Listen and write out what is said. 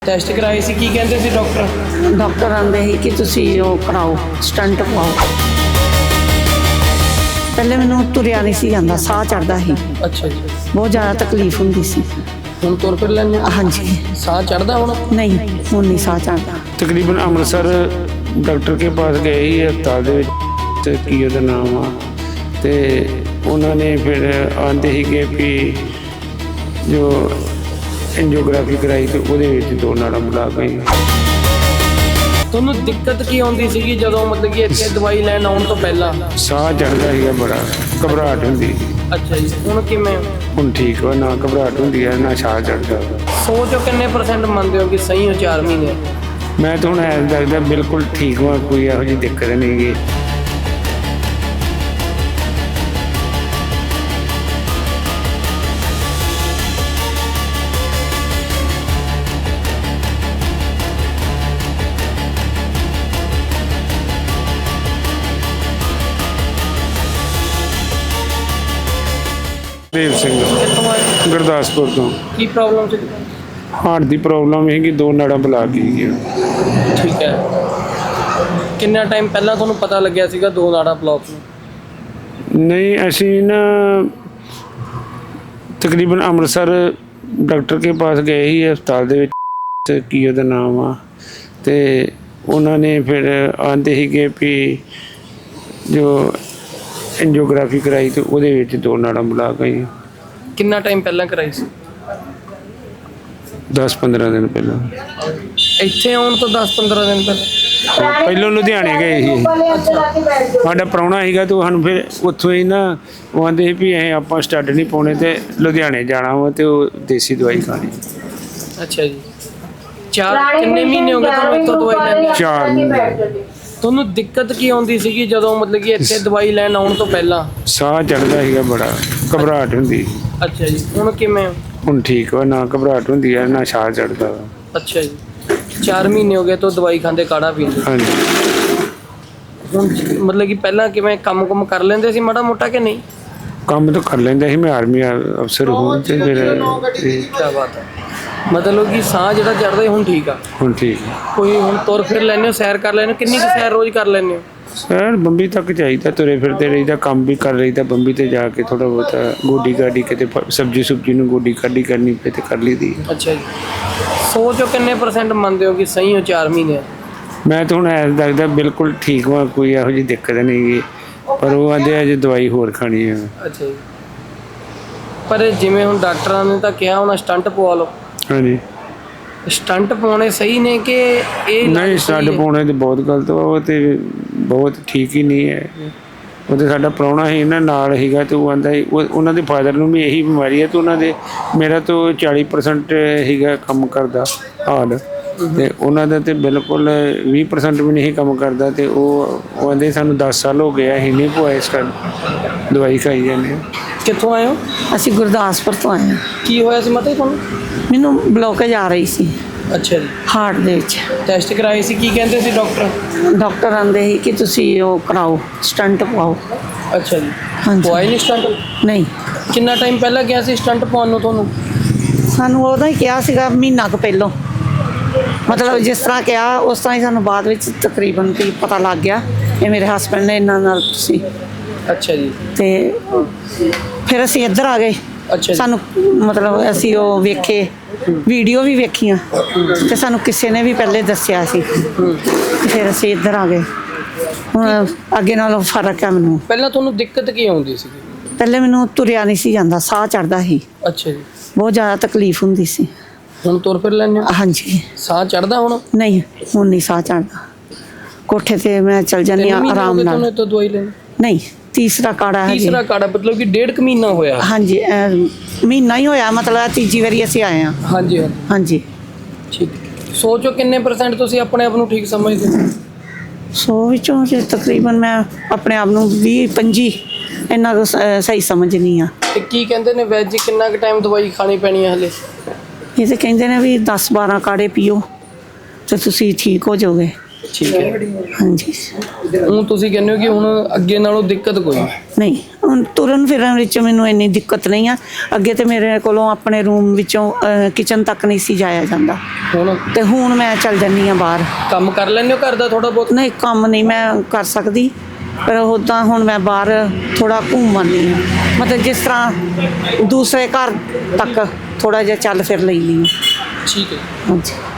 Test ਕਰਾਏ ਸੀ, ਕੀ ਕਹਿੰਦੇ ਸੀ doctor? Doctor ਆਂਦੇ ਸੀ ਕਿ ਤੁਸੀਂ ਉਹ ਕਰਾਓ, ਸਟੰਟ ਪਾਓ। ਪਹਿਲੇ ਮੈਨੂੰ ਤੁਰਿਆ ਨਹੀਂ ਸੀ ਜਾਂਦਾ, ਸਾਹ ਚੜਦਾ ਸੀ। ਅੱਛਾ ਜੀ। ਬਹੁਤ ਜ਼ਿਆਦਾ ਤਕਲੀਫ ਹੁੰਦੀ ਸੀ। ਹੁਣ ਤੁਰ ਫਿਰ ਲੈਂਦੇ ਹੋ? ਹਾਂਜੀ। ਸਾਹ ਚੜਦਾ ਹੁਣ? ਨਹੀਂ, ਹੁਣ ਨਹੀਂ ਸਾਹ ਚੜਦਾ। ਤਕਰੀਬਨ ਅੰਮ੍ਰਿਤਸਰ ਡਾਕਟਰ ਕੇ ਪਾਸ ਗਏ ਹੀ ਹਸਪਤਾਲ ਦੇ ਵਿੱਚ, ਤੇ ਕੀ ਉਹਦਾ ਨਾਮ ਆ, ਤੇ ਉਹਨਾਂ ਨੇ ਫਿਰ ਆਂਦੇ ਸੀਗੇ ਵੀ ਜੋ ਐਂਜੀਓਗ੍ਰਾਫੀ ਕਰਾਈ ਤੇ ਉਹਦੇ ਵਿੱਚ ਦੋ ਨਾੜਾਂ ਬੁਲਾ ਗਈ। ਤੁਹਾਨੂੰ ਦਿੱਕਤ ਕੀ ਆਉਂਦੀ ਸੀਗੀ ਜਦੋਂ ਮਤਲਬ ਕਿ ਇੱਥੇ ਦਵਾਈ ਲੈਣ ਆਉਣ ਤੋਂ ਪਹਿਲਾਂ? ਸਾਹ ਚੜਦਾ ਸੀਗਾ, ਬੜਾ ਘਬਰਾਹਟ ਹੁੰਦੀ। ਅੱਛਾ ਜੀ। ਹੁਣ ਕਿਵੇਂ? ਹੁਣ ਠੀਕ ਵਾ, ਨਾ ਘਬਰਾਹਟ ਹੁੰਦੀ ਹੈ ਨਾ ਸਾਹ ਚੜਦਾ। 100 ਚੋਂ ਕਿੰਨੇ % ਮੰਨਦੇ ਹੋ ਕਿ ਸਹੀ ਹੋ 4 ਮਹੀਨੇ? ਮੈਂ ਤਾਂ ਹੁਣ ਐਂ ਲੱਗਦਾ ਬਿਲਕੁਲ ਠੀਕ ਵਾ, ਕੋਈ ਇਹੋ ਜਿਹੀ ਦਿੱਕਤ ਨਹੀਂ ਗੀ। ਦੇਵ ਸਿੰਘ ਕਿੱਥੋਂ ਆਏ? ਗੁਰਦਾਸਪੁਰ ਤੋਂ। ਕੀ ਪ੍ਰੋਬਲਮ ਸੀ? ਹਾਰਟ ਦੀ ਪ੍ਰੋਬਲਮ ਹੈਗੀ, ਦੋ ਨਾੜਾਂ ਬੁਲਾ ਗਈਆਂ। ਠੀਕ ਹੈ। ਕਿੰਨਾ ਟਾਈਮ ਪਹਿਲਾਂ ਤੁਹਾਨੂੰ ਪਤਾ ਲੱਗਿਆ ਸੀਗਾ 2 ਨਾੜਾਂ ਬਲੌਕ ਨੂੰ? ਨਹੀਂ, ਅਸੀਂ ਨਾ ਤਕਰੀਬਨ ਅੰਮ੍ਰਿਤਸਰ ਡਾਕਟਰ ਕੇ ਪਾਸ ਗਏ ਹੀ ਹਸਪਤਾਲ ਦੇ ਵਿੱਚ, ਤੇ ਕੀ ਉਹਦਾ ਨਾਮ ਆ, ਤੇ ਉਹਨਾਂ ਨੇ ਫਿਰ ਆਂਦੇ ਸੀਗੇ ਵੀ ਜੋ ਐਂਜੀਓਗ੍ਰਾਫੀ ਕਰਾਈ ਤੇ ਉਹਦੇ ਵਿੱਚ ਦੋ ਨਾੜਾਂ ਬੁਲਾ ਗਈਆਂ। ਕਿੰਨਾ ਟਾਈਮ ਪਹਿਲਾਂ ਕਰਾਈ ਸੀ? 10-15 ਦਿਨ ਪਹਿਲਾਂ। ਇੱਥੇ ਆਉਣ ਤੋਂ 10-15 ਦਿਨ ਪਹਿਲਾਂ? ਪਹਿਲਾਂ ਲੁਧਿਆਣੇ ਗਏ ਸੀ। ਸਾਡਾ ਪ੍ਰਾਹੁਣਾ ਸੀਗਾ ਤੇ ਸਾਨੂੰ ਫਿਰ ਉੱਥੋਂ ਹੀ ਨਾ ਉਹ ਆਂਦੇ ਸੀ ਵੀ ਅਸੀਂ ਆਪਾਂ ਸਟੱਡ ਨਹੀਂ ਪਾਉਣੇ ਤੇ ਲੁਧਿਆਣੇ ਜਾਣਾ ਵਾ ਤੇ ਉਹ ਦੇਸੀ ਦਵਾਈ ਖਾਣੀ। ਅੱਛਾ ਜੀ। ਕਿੰਨੇ ਮਹੀਨੇ ਹੋ ਗਏ ਤੁਹਾਨੂੰ ਇੱਥੋਂ ਦਵਾਈ ਲੈਂਦੇ? 4 ਮਹੀਨੇ। ਤੁਹਾਨੂੰ ਦਿੱਕਤ ਕੀ ਆਉਂਦੀ ਸੀਗੀ ਜਦੋਂ ਮਤਲਬ ਕਿ ਇੱਥੇ ਦਵਾਈ ਲੈਣ ਆਉਣ ਤੋਂ ਪਹਿਲਾਂ? ਸਾਹ ਚੜਦਾ ਸੀਗਾ, ਬੜਾ ਘਬਰਾਹਟ ਹੁੰਦੀ। ਅੱਛਾ ਜੀ। ਹੁਣ ਕਿਵੇਂ? ਹੁਣ ਠੀਕ ਵਾ, ਨਾ ਘਬਰਾਹਟ ਹੁੰਦੀ ਹੈ ਨਾ ਸਾਹ ਚੜਦਾ ਵਾ। ਅੱਛਾ ਜੀ। 4 ਮਹੀਨੇ ਹੋ ਗਏ ਤੋਂ ਦਵਾਈ ਖਾਂਦੇ, ਕਾੜਾ ਪੀਂਦੇ? ਹਾਂਜੀ। ਹੁਣ ਮਤਲਬ ਕਿ ਪਹਿਲਾਂ ਕਿਵੇਂ ਕੰਮ ਕਰ ਲੈਂਦੇ ਸੀ ਮਾੜਾ ਮੋਟਾ ਕਿ ਨਹੀਂ? ਕੰਮ ਤਾਂ ਕਰ ਲੈਂਦਾ ਸੀ, ਮੈਂ ਆਰਮੀ ਅਫਸਰ ਹੋਣ ਤੇ ਫਿਰ ਕੀ ਬਾਤ ਹੈ। ਮਤਲਬ ਕਿ ਸਾਹ ਜਿਹੜਾ ਚੜਦਾ ਹੁਣ ਠੀਕ ਆ? ਹੁਣ ਠੀਕ ਆ। ਕੋਈ ਹੁਣ ਤੁਰ ਫਿਰ ਲੈਂਦੇ ਹੋ, ਸੈਰ ਕਰ ਲੈਂਦੇ ਹੋ? ਕਿੰਨੀ ਕੁ ਸੈਰ ਰੋਜ਼ ਕਰ ਲੈਂਦੇ ਹੋ? ਸਰ ਬੰਬੀ ਤੱਕ ਚਾਹੀਦਾ, ਤੁਰੇ ਫਿਰਦੇ ਰਹੀਦਾ, ਕੰਮ ਵੀ ਕਰ ਰਹੀਦਾ। ਬੰਬੀ ਤੇ ਜਾ ਕੇ ਥੋੜਾ ਬਹੁਤਾ ਗੋਡੀ ਗਾਡੀ, ਕਿਤੇ ਸਬਜ਼ੀ ਸੁਬਜ਼ੀ ਨੂੰ ਗੋਡੀ ਕਾਢੀ ਕਰਨੀ ਪਏ ਤੇ ਕਰ ਲਈਦੀ। ਅੱਛਾ ਜੀ। 100 ਚੋਂ ਕਿੰਨੇ % ਮੰਨਦੇ ਹੋ ਕਿ ਸਹੀ ਹੋ 4 ਮਹੀਨੇ? ਮੈਂ ਤਾਂ ਹੁਣ ਐਂ ਲੱਗਦਾ ਬਿਲਕੁਲ ਠੀਕ ਵਾ, ਕੋਈ ਇਹੋ ਜਿਹੀ ਦਿੱਕਤ ਨਹੀਂ ਗੀ, ਪਰ ਉਹ ਆਂਦੇ ਅਜੇ ਦਵਾਈ ਹੋਰ ਖਾਣੀ ਆ। ਅੱਛਾ ਜੀ। ਪਰ ਜਿਵੇਂ ਹੁਣ ਡਾਕਟਰਾਂ ਨੇ ਤਾਂ ਕਿਹਾ ਹੋਣਾ ਸਟੰਟ ਪਵਾ ਲਓ। ਹਾਂਜੀ। ਸਟੰਟ ਪਾਉਣੇ ਸਹੀ ਨੇ ਕਿ ਇਹ? ਨਹੀਂ, ਸਟੰਟ ਪਾਉਣੇ ਤੇ ਬਹੁਤ ਗਲਤ ਵਾ, ਉਹ ਤੇ ਬਹੁਤ ਠੀਕ ਹੀ ਨਹੀਂ ਹੈ। ਉਹ ਤੇ ਸਾਡਾ ਪ੍ਰਾਹੁਣਾ ਸੀ ਨਾ ਨਾਲ ਸੀਗਾ, ਤੇ ਉਹ ਆਂਦਾ ਉਹਨਾਂ ਦੇ ਫਾਦਰ ਨੂੰ ਵੀ ਇਹੀ ਬਿਮਾਰੀ ਹੈ, ਤੇ ਉਹਨਾਂ ਦੇ ਮੇਰਾ ਤਾਂ 40% ਸੀਗਾ ਕੰਮ ਕਰਦਾ ਹਾਲ, ਤੇ ਉਹਨਾਂ ਦਾ ਤੇ ਬਿਲਕੁਲ 20% ਵੀ ਨਹੀਂ ਕੰਮ ਕਰਦਾ। ਤੇ ਉਹ ਆਂਦੇ ਸਾਨੂੰ 10 ਸਾਲ ਹੋ ਗਏ ਅਸੀਂ ਨਹੀਂ ਪਵਾਏ, ਇਸ ਕਰ ਦਵਾਈ ਖਾਈ ਜਾਂਦੇ। ਕਿੱਥੋਂ ਆਏ ਹੋ? ਅਸੀਂ ਗੁਰਦਾਸਪੁਰ ਤੋਂ ਆਏ ਹਾਂ। ਕੀ ਹੋਇਆ ਸੀ ਮਤਲਬ ਤੁਹਾਨੂੰ? ਮੈਨੂੰ ਬਲੋਕੇਜ ਆ ਰਹੀ ਸੀ। ਅੱਛਾ ਜੀ। ਹਾਰਟ ਦੇ ਵਿੱਚ। ਟੈਸਟ ਕਰਾਏ ਸੀ, ਕੀ ਕਹਿੰਦੇ ਸੀ ਡਾਕਟਰ? ਡਾਕਟਰ ਆਂਦੇ ਸੀ ਕਿ ਤੁਸੀਂ ਉਹ ਕਰਾਓ, ਸਟੰਟ ਪਾਓ। ਅੱਛਾ ਜੀ। ਹਾਂਜੀ। ਪਵਾਏ ਨਹੀਂ ਸਟੰਟ? ਨਹੀਂ। ਕਿੰਨਾ ਟਾਈਮ ਪਹਿਲਾਂ ਗਿਆ ਸੀ ਸਟੰਟ ਪਾਉਣ ਨੂੰ ਤੁਹਾਨੂੰ? ਸਾਨੂੰ ਉਹਦਾ ਹੀ ਕਿਹਾ ਸੀਗਾ, ਮਹੀਨਾ ਕੁ ਪਹਿਲਾਂ। ਮਤਲਬ ਜਿਸ ਤਰ੍ਹਾਂ ਕਿਹਾ ਉਸ ਤਰ੍ਹਾਂ ਹੀ ਸਾਨੂੰ ਬਾਅਦ ਵਿੱਚ ਤਕਰੀਬਨ ਵੀ ਪਤਾ ਲੱਗ ਗਿਆ। ਇਹ ਮੇਰੇ ਹਸਬੈਂਡ ਨੇ ਇਹਨਾਂ ਨਾਲ ਤੁਸੀਂ। ਅੱਛਾ ਜੀ। ਤੇ ਫਿਰ ਅਸੀਂ ਇੱਧਰ ਆ ਗਏ। ਅੱਛਾ। ਸਾਨੂੰ ਮਤਲਬ ਅਸੀਂ ਉਹ ਵੇਖੇ, ਵੀਡੀਓ ਵੀ ਵੇਖੀਆਂ, ਤੇ ਸਾਨੂੰ ਕਿਸੇ ਨੇ ਵੀ ਪਹਿਲੇ ਦੱਸਿਆ ਸੀ, ਫਿਰ ਅਸੀਂ ਇੱਧਰ ਆ ਗਏ। ਹੁਣ ਅੱਗੇ ਨਾਲੋਂ ਫਰਕ ਹੈ ਮੈਨੂੰ। ਪਹਿਲਾਂ ਤੁਹਾਨੂੰ ਦਿੱਕਤ ਕੀ ਆਉਂਦੀ ਸੀ? ਪਹਿਲੇ ਮੈਨੂੰ ਤੁਰਿਆ ਨਹੀਂ ਸੀ ਜਾਂਦਾ, ਸਾਹ ਚੜਦਾ ਸੀ। ਅੱਛਾ ਜੀ। ਬਹੁਤ ਜ਼ਿਆਦਾ ਤਕਲੀਫ ਹੁੰਦੀ ਸੀ। ਹੁਣ ਤੁਰ ਫਿਰ ਲੈਂਦੇ ਹੋ? ਹਾਂਜੀ। ਸਾਹ ਚੜਦਾ ਹੁਣ? ਨਹੀਂ, ਹੁਣ ਨਹੀਂ ਸਾਹ ਚੜਦਾ। ਕੋਠੇ ਤੇ ਮੈਂ ਚਲ ਜਾਂਦੀ ਹਾਂ ਆਰਾਮ ਨਾਲ। ਤੁਹਾਨੂੰ ਤੋਂ ਦਵਾਈ ਲੈਣੀ? ਨਹੀਂ, ਤੀਸਰਾ ਕਾੜਾ ਹੈ। ਤੀਸਰਾ ਕਾੜਾ ਮਤਲਬ ਕਿ 1.5 ਮਹੀਨਾ ਹੋਇਆ? ਹਾਂਜੀ, ਮਹੀਨਾ ਹੀ ਹੋਇਆ, ਮਤਲਬ ਤੀਜੀ ਵਾਰੀ ਅਸੀਂ ਆਏ ਹਾਂ। ਹਾਂਜੀ ਹਾਂਜੀ। ਠੀਕ। 100 ਚੋਂ ਕਿੰਨੇ % ਤੁਸੀਂ ਆਪਣੇ ਆਪ ਨੂੰ ਠੀਕ ਸਮਝਦੇ ਹੋ? 100 ਵਿੱਚੋਂ ਜੇ ਤਕਰੀਬਨ ਮੈਂ ਆਪਣੇ ਆਪ ਨੂੰ 20-25 ਇੰਨਾ ਕੁ ਸਹੀ ਸਮਝਦੀ ਹਾਂ। ਤੇ ਕੀ ਕਹਿੰਦੇ ਨੇ ਵੈਦ ਜੀ, ਕਿੰਨਾ ਕੁ ਟਾਈਮ ਦਵਾਈ ਖਾਣੀ ਪੈਣੀ ਹੈ ਹਲੇ? ਇਹ ਤਾਂ ਕਹਿੰਦੇ ਨੇ ਵੀ 10-12 ਕਾੜੇ ਪੀਓ ਤੇ ਤੁਸੀਂ ਠੀਕ ਹੋ ਜਾਓਗੇ। ਠੀਕ ਹੈ। ਹਾਂਜੀ। ਹੁਣ ਤੁਸੀਂ ਕਹਿੰਦੇ ਹੋ ਕਿ ਹੁਣ ਅੱਗੇ ਨਾਲੋਂ ਦਿੱਕਤ ਕੋਈ? ਨਹੀਂ, ਹੁਣ ਤੁਰਨ ਫਿਰਨ ਵਿੱਚ ਮੈਨੂੰ ਇੰਨੀ ਦਿੱਕਤ ਨਹੀਂ ਆ। ਅੱਗੇ ਤੇ ਮੇਰੇ ਕੋਲੋਂ ਆਪਣੇ ਰੂਮ ਵਿੱਚੋਂ ਕਿਚਨ ਤੱਕ ਨਹੀਂ ਸੀ ਜਾਇਆ ਜਾਂਦਾ, ਹੁਣ ਤੇ ਹੁਣ ਮੈਂ ਚੱਲ ਜਾਂਦੀ ਆ ਬਾਹਰ। ਕੰਮ ਕਰ ਲੈਂਦੇ ਹੋ ਘਰ ਦਾ ਥੋੜਾ ਬਹੁਤ? ਨਹੀਂ, ਕੰਮ ਨਹੀਂ ਮੈਂ ਕਰ ਸਕਦੀ, ਪਰ ਉੱਦਾਂ ਹੁਣ ਮੈਂ ਬਾਹਰ ਥੋੜਾ ਘੁੰਮ ਆਉਂਦੀ ਹਾਂ, ਮਤਲਬ ਜਿਸ ਤਰ੍ਹਾਂ ਦੂਸਰੇ ਘਰ ਤੱਕ ਥੋੜਾ ਜਿਹਾ ਚੱਲ ਫਿਰ ਲੈਂਦੀ ਹਾਂ। ਠੀਕ ਹੈ। ਹਾਂਜੀ।